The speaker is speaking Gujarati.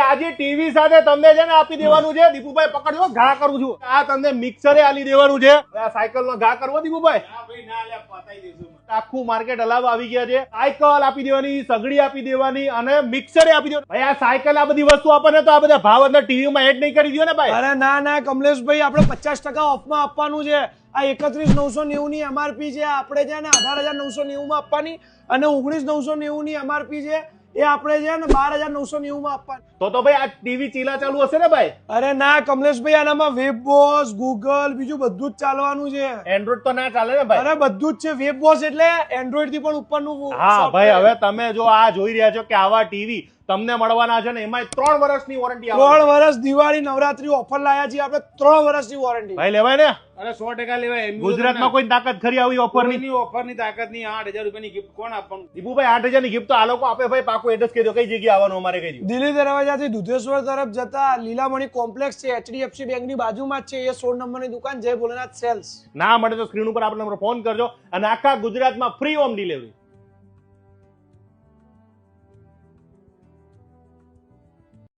આજે ટીવી સાથે તમને છે ને આપી દેવાનું છે દીપુભાઈ, પકડજો, ઘા કરું છું. આ તમને મિક્સરે આલી દેવાનું છે. આ સાયકલ નો ઘા કરવો દીપુભાઈ? આખું માર્કેટ હલાવવા આવી ગયા છે. સાયકલ આપી દેવાની, સગડી આપી દેવાની અને મિક્સરે આપી દેવાની. ભાઈ આ સાયકલ આ બધી વસ્તુ આપે ને તો આ બધા ભાવ અંદર ટીવી માં એડ નહીં કરી દો ને ભાઈ. અરે ના ના કમલેશભાઈ, આપણે 50% ઓફમાં આપવાનું છે. આ 31,990 ની એમઆરપી છે, આપણે છે ને 18,990 માં આપવાની અને 19,990 ની એમઆરપી છે એ આપણે છે ને 12,990 માં આપવાની. તો ભાઈ આ ટીવી ચીલા ચાલુ હશે ને ભાઈ? અરે ના કમલેશભાઈ, આનામાં વેબ વોચ, ગૂગલ, બીજું બધું જ ચાલવાનું છે. એન્ડ્રોઇડ તો ના ચાલે ને ભાઈ? અરે બધું જ છે. વેબ વોચ એટલે એન્ડ્રોઇડ થી પણ ઉપરનું. હા ભાઈ, હવે તમે જો આ જોઈ રહ્યા છો કે આવા ટીવી તમને મળવાના છે ને એમાં 3 વર્ષની વોરંટી આવે. 3 વર્ષ દિવાળી નવરાત્રી ઓફર લાયા છીએ આપણે. 3 વર્ષની વોરંટી ભાઈ લેવાય ને? અરે 100% લેવાય. ગુજરાતમાં કોઈ તાકાત ખરી આવી ઓફર ની? ઓફરની તાકાત ની. 8,000 રૂપિયાની ગિફ્ટ કોણ આપવાનું? દીપુભાઈ 8,000 ની ગિફ્ટ તો આ લોકો આપે ભાઈ. પાકું એડ્રેસ કહી દો, કઈ જગ્યાએ આવવાનું અમારે કહી દો. દિલ્હી દરવાજાથી દુધેશ્વર તરફ જતા લીલામણી કોમ્પ્લેક્સ છે, HDFC બેંકની બાજુમાં જ છે. એ 16 નંબરની દુકાન, જય ભોલેનાથ સેલ્સ. ના મળે તો સ્ક્રીન ઉપર આપણે નંબર ફોન કરજો અને આખા ગુજરાતમાં ફ્રી હોમ ડિલિવરી.